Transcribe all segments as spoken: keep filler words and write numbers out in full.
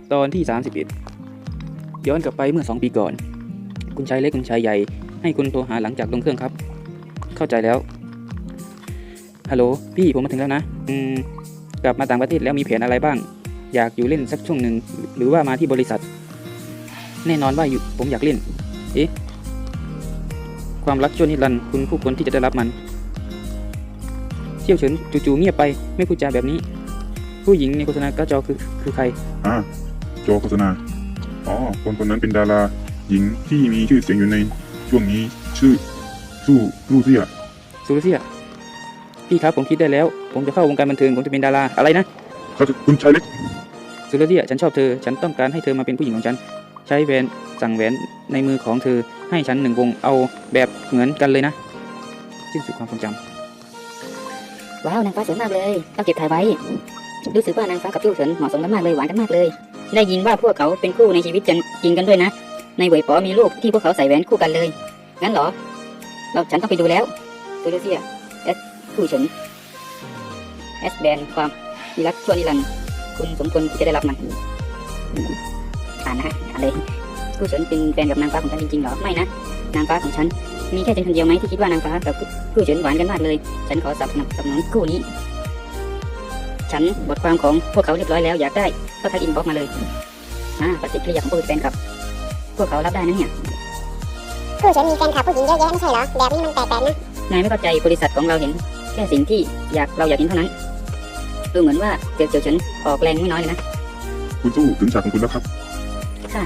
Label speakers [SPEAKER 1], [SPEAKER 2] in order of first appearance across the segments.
[SPEAKER 1] ตอนที่สามสิบเอ็ดย้อนกลับไปเมื่อสองปีก่อนคุณชายเล็กคุณชายใหญ่ให้คุณโทรหาหลังจากลงเครื่องครับเข้าใจแล้วฮัลโหลพี่ผมมาถึงแล้วนะอืมกลับมาต่างประเทศแล้วมีแผนอะไรบ้างอยากอยู่เล่นสักช่วงหนึ่งหรือว่ามาที่บริษัทแน่นอนว่าอยู่ผมอยากเล่นเอ๊ะความรักชั่วนิรันดร์คุณคู่ควรที่จะได้รับมันเชี่ยวเฉินจู่ๆเงียบไปไม่พูดจาแบบนี้ผู้หญิงในโฆษณากระจอคือคือใคร
[SPEAKER 2] อ่าจอโฆษณาอ๋อคนคนนั้นเป็นดาราหญิงที่มีชื่อเสียงอยู่ในช่วงนี้ชื่อสู้ลูเซีย
[SPEAKER 1] ซูรุเซียพี่ครับผมคิดได้แล้วผมจะเข้าวงการบันเทิงผมจะเป็นดาราอะไรนะ
[SPEAKER 2] เขาจะคุณชายเล็ก
[SPEAKER 1] ซูรุเซียฉันชอบเธอฉันต้องการให้เธอมาเป็นผู้หญิงของฉันใช้แหวนสั่งแหวนในมือของเธอให้ฉันหนึ่งวงเอาแบบเหมือนกันเลยนะสิ้นสุดความทรงจำ
[SPEAKER 3] ว้าวนางฟ้าสวยมากเลยต้องเก็บถ่ายไว้รู้สึกว่านางฟ้ากับพี่เฉินเหมาะสมกันมากเลยหวานกันมากเลยได้ยินว่าพวกเขาเป็นคู่ในชีวิตจริงกันด้วยนะในเหวยป๋อมีรูปที่พวกเขาใส่แหวนคู่กันเลยงั้นเหรอเราฉันต้องไปดูแล้วซูเซียเอสคู่เฉินเอสแบนความมีรักชั่วนิรันดร์คุณสมควรที่จะได้รับมันอ่านนะฮะอะไรคู่เฉินเป็นแฟนกับนางฟ้าของฉันจริงๆเหรอไม่นะนางฟ้าของฉันมีแค่ฉันคนเดียวไหมที่คิดว่านางฟ้ากับคู่เฉินหวานกันมากเลยฉันขอสนับสนุนคู่นี้ฉันบทความของพวกเขาเรียบร้อยแล้วอยากได้ก็ทักอินบ็อกมาเลยอ่าปฏิกิริยาของผู้เป็นแฟนกับพวกเขารับได้นะเนี่ย
[SPEAKER 4] คู่ฉันมีแฟนคลับผู้หญิงเยอะแยะไม่ใช่เหรอแบบนี้มันแปลกๆนะ
[SPEAKER 3] นายไม่เข้าใจบริษัทของเราเห็นแค่สิ่งที่อยากเราอยากเห็นเท่านั้นดูเหมือนว่าเจียวเจียวฉันออกแรงไม่น้อยเลยนะ
[SPEAKER 2] คุณสู้ถึงฉากของคุณแล้วครับ
[SPEAKER 3] ค่ะ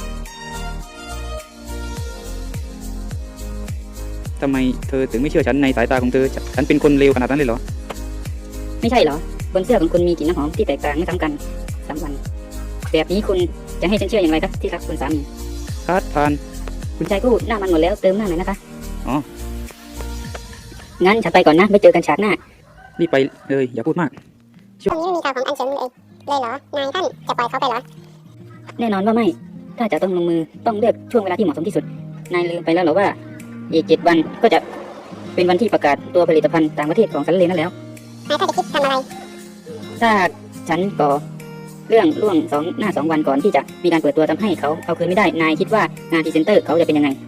[SPEAKER 1] ทำไมเธอถึงไม่เชื่อฉันในสายตาของเธอฉันเป็นคนเลวขนาดนั้นเลยเหรอ
[SPEAKER 3] ไม่ใช่เหรอบนเสื้อของคุณมีกลิ่นน้ำหอมที่แตกต่างไม่ซ้ำกันสามวันแบบนี้คุณจะให้ฉันเชื่ออย่างไรครับที่รักคุณสามี
[SPEAKER 1] คาดผ่าน
[SPEAKER 3] คุณชายกู้หน้ามันหมดแล้วเติมหน้าหน่อยนะคะ
[SPEAKER 1] อ๋อ
[SPEAKER 3] งั้นฉันไปก่อนนะไม่เจอกันฉากหน้า
[SPEAKER 1] รีบไปเลยอย่าพูดมาก
[SPEAKER 4] ตรงนี้ไม่มีข่าวของอันเฉินเลยเลยเหรอนายท่านจะปล่อยเขาไปเหรอ
[SPEAKER 3] แน่นอนว่าไม่ถ้าจะต้องลงมือต้องเลือกช่วงเวลาที่เหมาะสมที่สุดนายลืมไปแล้วเหรอว่าอีกเจ็ดวันก็จะเป็นวันที่ประกาศตัวผลิตภัณฑ์ต่างประเทศของซันเลนั่นแล้ว
[SPEAKER 4] นายท่านจะคิดทำอะไร
[SPEAKER 3] ถ้าฉันก่อเรื่องล่วงสองหน้าสองวันก่อนที่จะมีการเปิดตัวทำให้เขาเอาคืนไม่ได้นายคิดว่างานพรีเซนเตอร์เขาจะเป็นยังไง